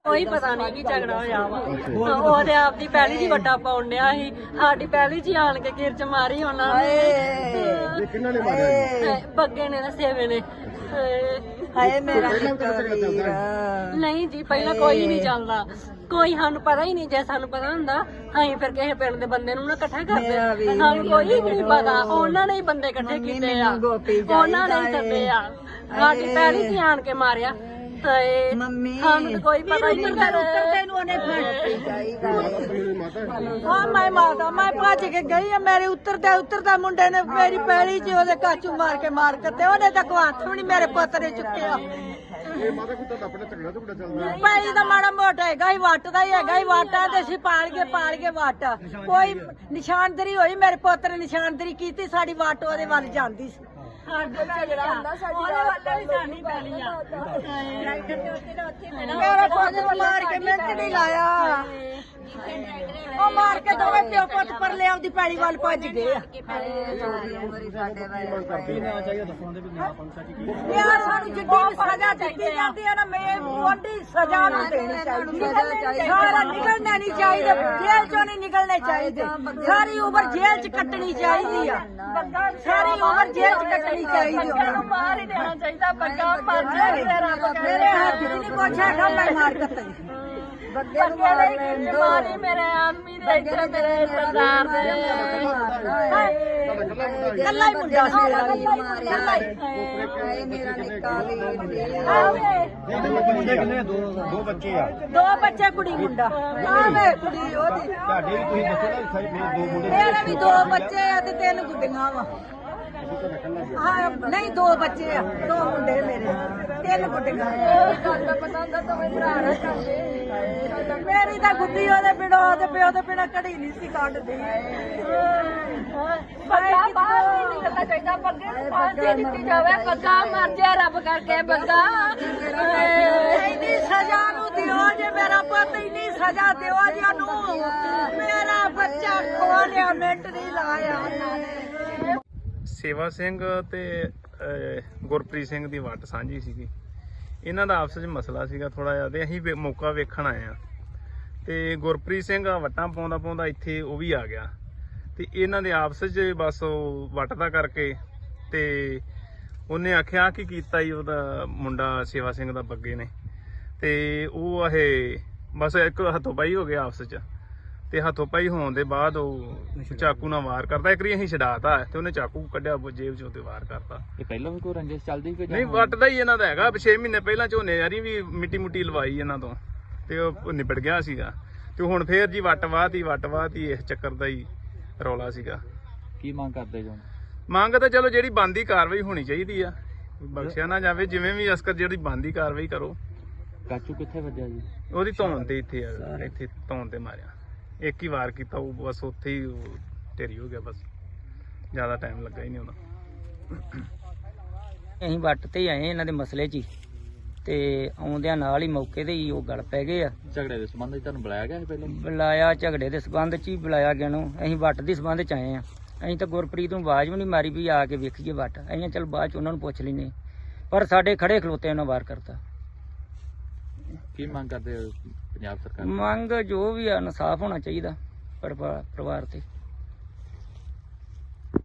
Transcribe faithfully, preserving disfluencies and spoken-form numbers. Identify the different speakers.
Speaker 1: ਕੋਈ ਪਤਾ ਨਹੀਂ ਕੀ ਝਗੜਾ ਹੋਇਆ ਵਾ ਉਹਦੇ ਆਪ ਦੀ ਪਹਿਲੀ ਜੀ ਵੱਡਾ ਪਾਉਣ ਡਿਆ ਸੀ ਸਾਡੀ ਪਹਿਲੀ ਜੀ ਆਣ ਕੇ ਕਿਰਚ ਮਾਰੀ ਉਹਨਾਂ ਨੇ
Speaker 2: ਕਿੰਨਾਂ ਨੇ ਮਾਰਿਆ
Speaker 1: ਬੱਗੇ ਨੇ ਨਾ ਸੇਵੇ ਨੇ
Speaker 3: ਹਾਏ ਮੇਰਾ
Speaker 1: ਨਹੀਂ ਜੀ ਪਹਿਲਾਂ ਕੋਈ ਨਹੀਂ ਚੱਲਦਾ ਕੋਈ ਸਾਨੂੰ ਪਤਾ ਹੀ ਨਹੀਂ ਜੇ ਸਾਨੂੰ ਪਤਾ ਹੁੰਦਾ ਅਸੀਂ ਫਿਰ ਕਿਸੇ ਪਿੰਡ ਦੇ ਬੰਦੇ ਨੂੰ ਨਾ ਇਕੱਠਾ ਕਰਦੇ ਸਾਨੂੰ ਕੋਈ ਨਹੀਂ ਪਤਾ ਉਹਨਾਂ ਨੇ ਹੀ ਬੰਦੇ ਇਕੱਠੇ ਕੀਤੇ ਆ ਉਹਨਾਂ ਨੇ ਹੀ ਸੱਦੇ ਆ ਸਾਡੀ ਪਹਿਲੀ ਜੀ ਆਣ ਕੇ ਮਾਰਿਆ
Speaker 3: ਮੰਮੀ
Speaker 1: ਸਾਨੂੰ ਤਾਂ ਕੋਈ ਪਤਾ ਨਹੀਂ
Speaker 3: ਤੈਨੂੰ ਉਹਨੇ ਫੜ
Speaker 4: ਹਾਂ ਮੈਂ ਮਾਰਦਾ ਮੈਂ ਭੱਜ ਕੇ ਗਈ ਆ ਮੇਰੇ ਉੱਤਰਦਾ ਉੱਤਰਦਾ ਮੁੰਡੇ ਨੇ ਮੇਰੀ ਪੈਲੀ 'ਚ ਉਹਦੇ ਕਾਚੂ ਮਾਰ ਕੇ ਮਾਰ ਕੇ ਤੇ ਉਹਨੇ ਤਾਂ ਕੋਈ ਹੱਥ ਵੀ ਨਹੀਂ ਮੇਰੇ ਪੁੱਤ ਨੇ ਚੁੱਕਿਆ
Speaker 2: ਇਹ ਮਾਤਾ ਕੁੱਤਾ ਦਾ ਆਪਣਾ ਝਗੜਾ ਝਗੜਾ ਚੱਲਦਾ
Speaker 4: ਪੈਲੀ ਦਾ ਮਾੜਾ ਮੋਟਾ ਹੈਗਾ ਹੀ ਵੱਟ ਦਾ ਹੀ ਹੈਗਾ ਹੀ ਵਾਟਾ ਤੇ ਅਸੀਂ ਪਾਲ ਕੇ ਪਾਲ ਕੇ ਵੱਟ ਕੋਈ ਨਿਸ਼ਾਨਦਰੀ ਹੋਈ ਮੇਰੇ ਪੁੱਤ ਨੇ ਨਿਸ਼ਾਨਦਰੀ ਕੀਤੀ ਸਾਡੀ ਵੱਟ ਉਹਦੇ ਵੱਲ ਜਾਂਦੀ ਸੀ ਮੇਰਾ ਪੁੱਤ ਨੂੰ ਮਾਰ ਕੇ ਮਿੰਟ ਨਹੀਂ ਲਾਇਆ ਉਹ ਮਾਰ ਕੇ ਦੋਵੇਂ ਪਿਓ ਪੁੱਤ ਪਰ ਲਿਆ ਉਹਦੀ ਪੈਲੀ ਵੱਲ ਭੱਜ ਗਏ ਆ ਯਾਰ ਸਾਨੂੰ ਜਿੱਡੀ ਵੀ ਸਜ਼ਾ ਦਿੱਤੀ ਜਾਂਦੀ ਹੈ ਨਾ ਮੈਂ ਉਹਦੀ ਸਜ਼ਾ ਨੂੰ ਦੇਣੀ ਚਾਹੀਦੀ ਸਾਰਾ ਨਿਕਲਣਾ ਨਹੀਂ ਚਾਹੀਦਾ ਜੇਲ੍ਹ ਚੋਂ ਨਹੀਂ ਨਿਕਲਣੇ ਚਾਹੀਦੇ ਸਾਰੀ ਉਮਰ ਜੇਲ੍ਹ 'ਚ ਕੱਟਣੀ ਚਾਹੀਦੀ ਆ ਸਾਰੀ ਉਮਰ ਜੇਲ੍ਹ 'ਚ ਕੱਟਣੀ ਚਾਹੀਦੀ ਉਹਨੂੰ
Speaker 1: ਮਾਰ ਹੀ ਦੇਣਾ ਚਾਹੀਦਾ ਬੱਗਾ ਮਰ ਜਾਏ
Speaker 4: ਮੇਰੇ ਹੱਥ 'ਚ ਨਹੀਂ ਕੁਛ ਹੈਗਾ ਮੈਂ ਮਾਰ ਦਿੱਤਾ
Speaker 1: ਬੱਗੇ ਨੇ ਮਾਰੀ ਮੇਰੇ ਆਦਮੀ ਦੇ ਇੱਥੇ ਮੇਰੇ ਸਰਦਾਰ ਦੇ
Speaker 4: ਕੱਲਾ ਹੀ ਮੁੰਡਾ ਸੀ ਮੇਰਾ ਵੀ
Speaker 3: ਕੱਲਾ ਹੀ ਮੇਰਾ ਨਿੱਕਾ
Speaker 2: ਕਿੰਨੇ ਦੋ ਦੋ ਬੱਚੇ ਆ
Speaker 4: ਦੋ ਬੱਚੇ ਕੁੜੀ ਮੁੰਡਾ ਆਵੇ ਕੁੜੀ ਉਹਦੀ
Speaker 2: ਤੁਹਾਡੇ ਵੀ ਤੁਸੀਂ ਦੱਸੋ ਨਾ ਸਾਰੇ ਦੋ ਮੁੰਡੇ
Speaker 4: ਮੇਰੇ ਵੀ ਦੋ ਬੱਚੇ ਆ ਤੇ ਤਿੰਨ ਗੁੱਡੀਆਂ ਵਾ ਹਾਂ ਨਹੀਂ ਦੋ ਬੱਚੇ ਆ ਦੋ ਮੁੰਡੇ ਮੇਰੇ ਤਿੰਨ ਗੁੱਡੀਆਂ ਮੇਰੀ ਤਾਂ ਗੁੱਡੀ ਉਹਦੇ ਬਿਨਾਂ ਉਹਦੇ ਪਿਓ ਦੇ ਬਿਨਾਂ ਕੜੀ ਨਹੀਂ ਸੀ ਕੱਢਦੀ
Speaker 1: ਬੱਗਾ ਬਾਹਰ ਨਹੀਂ ਨਿਕਲਣਾ ਚਾਹੀਦਾ ਬੱਗੇ ਨੂੰ ਫਾਂਸੀ ਦਿੱਤੀ ਜਾਵੇ ਬੱਗਾ ਮਰ ਜਾਏ ਰੱਬ ਕਰਕੇ ਬੱਗਾ
Speaker 4: ਇੰਨੀ ਸਜ਼ਾ ਨੂੰ ਦਿਓ ਜੇ ਮੇਰਾ ਪੁੱਤ ਇੰਨੀ ਸਜ਼ਾ ਦਿਓ ਜੇ ਉਹਨੂੰ ਮੇਰਾ ਬੱਚਾ ਖੋ ਲਿਆ ਮਿੰਟ ਨਹੀਂ ਲਾਇਆ ਉਹਨਾਂ ਨੇ
Speaker 5: ਸੇਵਾ ਸਿੰਘ ਤੇ ਗੁਰਪ੍ਰੀਤ ਸਿੰਘ ਦੀ ਵੱਟ ਸਾਂਝੀ ਸੀਗੀ ਇਹਨਾਂ ਦਾ ਆਪਸ ਵਿੱਚ ਮਸਲਾ ਸੀਗਾ ਥੋੜਾ ਜਿਹਾ ਤੇ ਅਸੀਂ ਮੌਕਾ ਵੇਖਣ ਆਏ ਆ ਤੇ ਗੁਰਪ੍ਰੀਤ ਸਿੰਘ ਵੱਟਾਂ ਪਾਉਂਦਾ ਪਾਉਂਦਾ ਇੱਥੇ ਉਹ ਵੀ ਆ ਗਿਆ ਤੇ ਇਹਨਾਂ ਦੇ ਆਪਸ ਵਿੱਚ ਬਸ ਉਹ ਵੱਟ ਦਾ ਕਰਕੇ ਤੇ ਉਹਨੇ ਆਖਿਆ ਕਿ ਕੀਤਾ ਹੀ ਉਹਦਾ ਮੁੰਡਾ ਸੇਵਾ ਸਿੰਘ ਦਾ ਬੱਗੇ ਨੇ ਤੇ ਉਹ ਇਹ ਬਸ ਇੱਕ ਹੱਥੋਂ ਪਾਈ ਹੋ ਗਿਆ ਆਪਸ ਵਿੱਚ ਤੇ ਹੱਥੋਂ ਪਾਈ ਹੋਣ ਦੇ ਬਾਅਦ ਉਹ ਚਾਕੂ ਨਾਲ ਵਾਰ ਕਰਦਾ ਇੱਕ ਵਾਰੀ ਅਸੀਂ ਛਡਾਤਾ ਤੇ ਉਹਨੇ ਚਾਕੂ ਕੱਢਿਆ ਜੇਬ ਚੋਂ ਤੇ ਵਾਰ ਕਰਤਾ
Speaker 6: ਇਹ ਪਹਿਲਾਂ ਵੀ ਕੋਈ ਰੰਜਿਸ਼ ਚੱਲਦੀ ਕੋਈ
Speaker 5: ਨਹੀਂ ਵੱਟਦਾ ਹੀ ਇਹਨਾਂ ਦਾ ਹੈਗਾ ਛੇ ਮਹੀਨੇ ਪਹਿਲਾਂ ਝੋਨੇ ਯਾਰੀ ਵੀ ਮਿੱਟੀ ਮੁੱਟੀ ਲਵਾਈ ਇਹਨਾਂ ਤੋਂ ਤੇ ਉਹ ਨਿਬੜ ਗਿਆ ਸੀਗਾ ਤੇ ਹੁਣ ਫੇਰ ਜੀ ਵੱਟ ਵਾਹਤੀ ਵੱਟ ਵਾਹਤੀ ਇਸ ਚੱਕਰ ਦਾ ਹੀ ਰੌਲਾ ਸੀਗਾ
Speaker 6: ਕੀ ਮੰਗ ਕਰਦੇ ਜੋ
Speaker 5: ਮੰਗ ਤਾਂ ਚਲੋ ਜਿਹੜੀ ਬਣਦੀ ਕਾਰਵਾਈ ਹੋਣੀ ਚਾਹੀਦੀ ਆ ਬਖਸ਼ਿਆ ਨਾ ਜਾਵੇ ਜਿਵੇਂ ਵੀ ਅਸਕਰ ਜਿਹੜੀ ਬਣਦੀ ਕਾਰਵਾਈ ਕਰੋ
Speaker 6: ਕਾਚੂ ਕਿੱਥੇ ਵੱਜਿਆ ਜੀ
Speaker 5: ਉਹਦੀ ਧੌਣ ਤੇ ਇੱਥੇ ਆ ਇੱਥੇ ਧੌਣ ਤੇ ਮਾਰਿਆ ਇੱਕ ਹੀ ਵਾਰ ਕੀਤਾ ਉਹ ਬਸ ਉੱਥੇ ਹੀ ਢੇਰੀ ਹੋ ਗਿਆ ਬਸ ਜ਼ਿਆਦਾ ਟਾਈਮ ਲੱਗਾ ਹੀ ਨਹੀਂ ਉਹਦਾ
Speaker 7: ਅਸੀਂ ਵੱਟ ਤੇ ਹੀ ਆਏ ਇਹਨਾਂ ਦੇ ਮਸਲੇ 'ਚ ਹੀ ਤੇ ਆਉਂਦਿਆਂ ਨਾਲ ਹੀ ਮੌਕੇ ਤੇ ਹੀ ਉਹ ਗਲ ਪੈ ਗਏ ਆ
Speaker 6: ਝਗੜੇ ਦੇ ਸੰਬੰਧ ਵਿੱਚ ਤੁਹਾਨੂੰ ਬੁਲਾਇਆ ਗਿਆ ਸੀ ਪਹਿਲਾਂ
Speaker 7: ਬੁਲਾਇਆ ਝਗੜੇ ਦੇ ਸਬੰਧ 'ਚ ਹੀ ਬੁਲਾਇਆ ਗਿਆ ਨੂੰ ਅਸੀਂ ਵੱਟ ਦੇ ਸਬੰਧ 'ਚ ਆਏ ਆ ਅਸੀਂ ਤਾਂ ਗੁਰਪ੍ਰੀਤ ਨੂੰ ਆਵਾਜ਼ ਵੀ ਨਹੀਂ ਮਾਰੀ ਵੀ ਆ ਕੇ ਵੇਖੀਏ ਵੱਟ ਅਸੀਂ ਚੱਲ ਬਾਅਦ 'ਚ ਉਹਨਾਂ ਨੂੰ ਪੁੱਛ ਲੈਨੇ ਪਰ ਸਾਡੇ ਖੜੇ ਖਲੋਤੇ ਉਹਨਾਂ ਵਾਰ ਕਰਤਾ
Speaker 6: ਕੀ ਮੰਗ ਕਰਦੇ ਹੋ ਪੰਜਾਬ ਸਰਕਾਰ
Speaker 7: ਮੰਗ ਜੋ ਵੀ ਆ ਇਨਸਾਫ ਹੋਣਾ ਚਾਹੀਦਾ ਪਰਿਵਾਰ ਤੇ